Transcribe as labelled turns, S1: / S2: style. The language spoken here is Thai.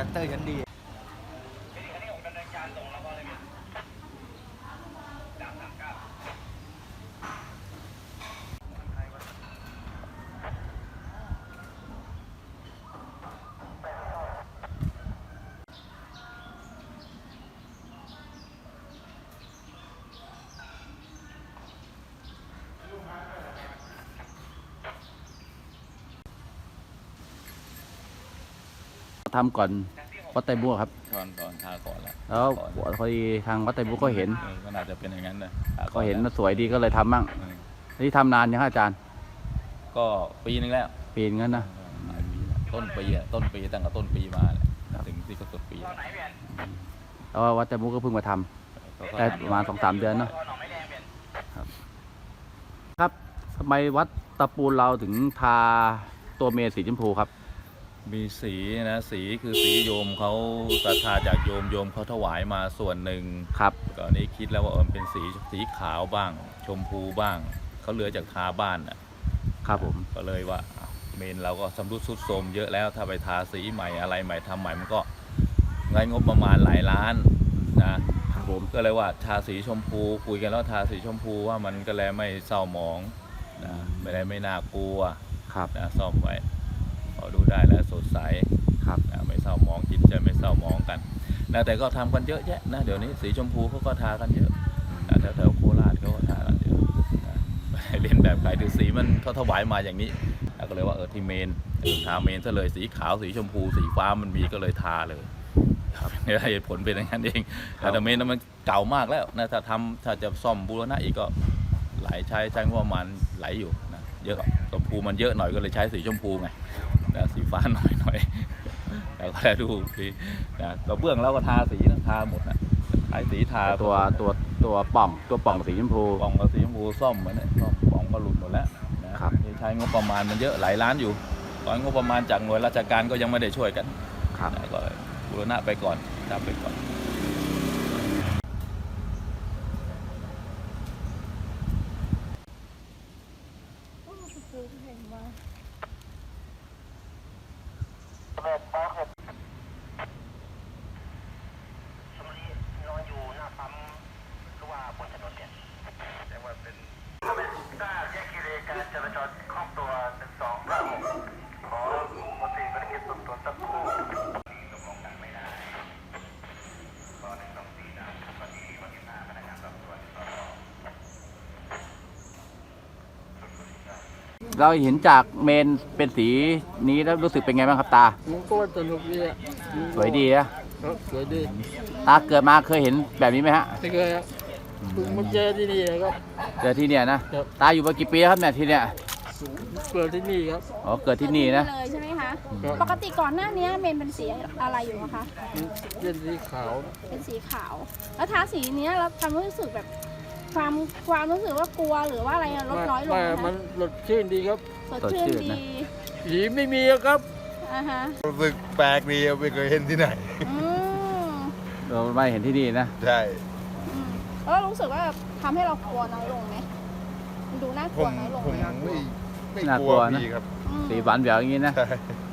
S1: ชัตเตอร์ชั้นดี
S2: ทำก่อนวัดไตรบัวครับ
S3: ก่อนทาก่อนแล้ว
S2: พอดีทางวัดไตรบัวก็เห็น
S3: ก็น่าจะเป็นอย่างนั้นนะ
S2: ก็เห็นสวยดีก็เลยทำมั่งนี่ทำนานยังอาจารย์
S3: ก็ปีนึงแล้ว
S2: ปีนึงนะ
S3: ต้นปีตั้งแต่ต้นปีมาถึงที่ก็สุดปี
S2: แล้ววัดไตรบัวก็เพิ่งมาทำได้ประมาณ 2-3 เดือนเนาะครับทำไมวัดตะปูเราถึงทาตัวเมรุสีชมพูครับ
S3: มีสีนะสีคือสีโยมเขาศรัทธาจากโยมเขาถวายมาส่วนหนึ่ง
S2: ครับ
S3: ก่อนนี้คิดแล้วว่าเป็นสีขาวบ้างชมพูบ้างเขาเหลือจากทาบ้าน
S2: ครับผม
S3: ก็เลยว่าเมนเราก็สำรุดทรุดโทรมเยอะแล้วถ้าไปทาสีใหม่อะไรใหม่ทำใหม่มันก็เงินงบประมาณหลายล้าน
S2: นะครับผม
S3: ก็เลยว่าทาสีชมพูคุยกันแล้วทาสีชมพูว่ามันก็แล้วไม่เศร้าหมองนะไม่น่ากลัว
S2: ครับ
S3: นะซ่อมไว้พอดูได้แล้วสดใส
S2: ครับ
S3: ไม่เศร้าหมองจิตใจไม่เศร้าหมองกันนะแต่ก็ทำกันเยอะแยะนะเดี๋ยวนี้สีชมพูเขาก็ทากันเยอะนะแถวโคราชเขาก็ทากันเยอะนะไม่เล่นแบบใครถือสีมันเขาถวายมาอย่างนี้ก็เลยว่าที่เมนทาเมนซะเลยสีขาวสีชมพูสีฟ้ามันมีก็เลยทาเลยเหตุผลเป็นอย่างนั้นเองแต่เมนนั้นมันเก่ามากแล้วนะถ้าจะซ่อมบูรณะอีกก็หลายใช้งบประมาณไหลอยู่นะเยอะชมพูมันเยอะหน่อยก็เลยใช้สีชมพูไงสีฟ้าหน่อยแล้วก็ได้ดูสีกระเบื้องแล้วก็ทาสีทาหมดนะทาสีทา
S2: ตัวป่องสีชมพู
S3: ป่องกับสีชมพูซ่อมเหมือนเนี่ยป่องก็หลุดหมดแล้วนะครับใช้งบประมาณมันเยอะหลายล้านอยู่ตอนงบประมาณจากหน่วยราชการก็ยังไม่ได้ช่วยกันก็บูรณะไปก่อนทำไปก่อน
S2: เราเห็นจากเมนเป็นสีนี้แล้วรู้สึกเป็นไงบ้างครับตา
S4: มันก็สนุกดีอ่ะ
S2: สวยดีนะ
S4: สวยดี
S2: ตาเกิดมาเคยเห็นแบบนี้ไหมฮะ
S4: ไม่เคยครับเพิ่งมาเจอที่นี่ครับ
S2: เจอที่เนี่ยนะตาอยู่มากี่ปีครับเนี่ยที่เนี่ย
S4: เกิดที่นี่ครับ
S2: อ๋อเกิดที่นี่นะ
S5: เลยใช่ไหมคะปกติก่อนหน้านี้เมนเป็นสีอะไรอยู่คะ
S4: เป็นสีขาว
S5: เป็นสีขาวแล้วทาสีนี้เราทำรู้สึกแบบความรู้สึกว่ากลัวหรือว่าอะไรลดน้อยลงนะ
S4: มันสดชื่นดีครับ
S5: สดชื่นดี
S4: ผีไม่มีครับ
S1: รู้สึกแปลกดีไม่เคยเห็นที่ไหน
S2: เราไม่เห็นที่นี่นะ
S1: ใช่
S5: แล้วรู้สึกว่าทำให้เรากลัวน้อยลงไหมดูน่ากลัวน้อยลงไหม
S1: ไม่กลัวพี่ครับ
S2: สีหวานแหววอย่างนี้นะ